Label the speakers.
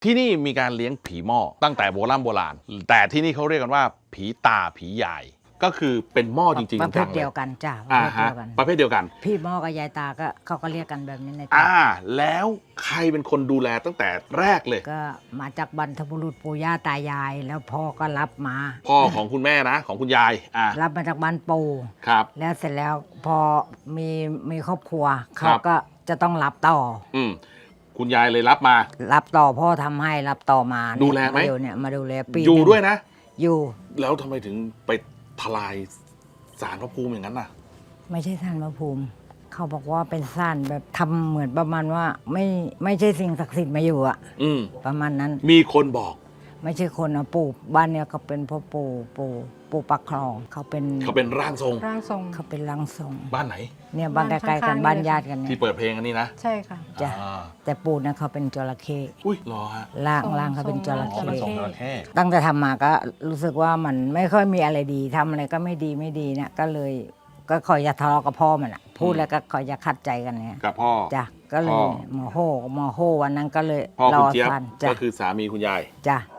Speaker 1: ที่นี่มีการเลี้ยงผีหม้อตั้งแต่โบราณแต่ที่นี่เขาเรียกกันว่าผีตาผียายก็คือเป็นหม้อจริงๆ
Speaker 2: ประเภทเดียวกันจ้ะประเภทเดียวกัน
Speaker 1: พี่หม้อกับยายตาก็
Speaker 2: เขาก็เรียกกันแบบนี้ใน
Speaker 1: แล้วใครเป็นคนดูแลตั้งแต่แรกเลย
Speaker 2: ก็มาจากบรรพบุรุษปู่ย่าตายายแล้วพ่อก็รับมา
Speaker 1: พ่อของคุณแม่นะของคุณยาย
Speaker 2: รับมาจากบ้านปู่
Speaker 1: ครับ
Speaker 2: แล้วเสร็จแล้วพอมีครอบครัวเขาก็จะต้องรับต่อ
Speaker 1: คุณยายเลยรับ
Speaker 2: ต่อพ่อทำให้รับต่อมา
Speaker 1: ดูแลไหม
Speaker 2: เนี่ยมาดูแลปี
Speaker 1: อยู่ด้วยนะ
Speaker 2: อยู่
Speaker 1: แล้วทำไมถึงไปทลายศาลพระภูมิอย่างนั้นน่ะ
Speaker 2: ไม่ใช่ศาลพระภูมิเขาบอกว่าเป็นศาลแบบทำเหมือนประมาณว่าไม่ใช่สิ่งศักดิ์สิทธิ์มาอยู่อ่ะประมาณนั้น
Speaker 1: มีคนบอก
Speaker 2: ไม่ใช่คนนะปู่บ้านเนี่ยเขาเป็นพ่อปู่ปักคลองเขาเป็น
Speaker 1: ร่างทรง
Speaker 2: เขาเป็นร่างทรง
Speaker 1: บ้านไหน
Speaker 2: เนี่ยบ้านใกล้ๆกันบ้านญาติกันเนี่ย
Speaker 1: ที่เปิดเพลงอันนี้นะ
Speaker 3: ใช่ค่ะ
Speaker 2: จ้ะแต่ปู่เนี่ยเขาเป็นจระเข้
Speaker 1: อุ้ยรอฮะ
Speaker 2: ร่างเขาเป็นจระเข้ตั้งแต่ทำมาก็รู้สึกว่ามันไม่ค่อยมีอะไรดีทำอะไรก็ไม่ดีเนี่ยก็เลยก็คอยจะทะเลาะกับพ่อมันอะพูดแล้วก็คอยจะขัดใจกันเนี่ย
Speaker 1: กับพ่อ
Speaker 2: จ้ะก็เลยโมโหวันนั้นก็เลย
Speaker 1: พ่อคุณเจี๊ยบก็คือสามีคุณยาย
Speaker 2: จ้ะ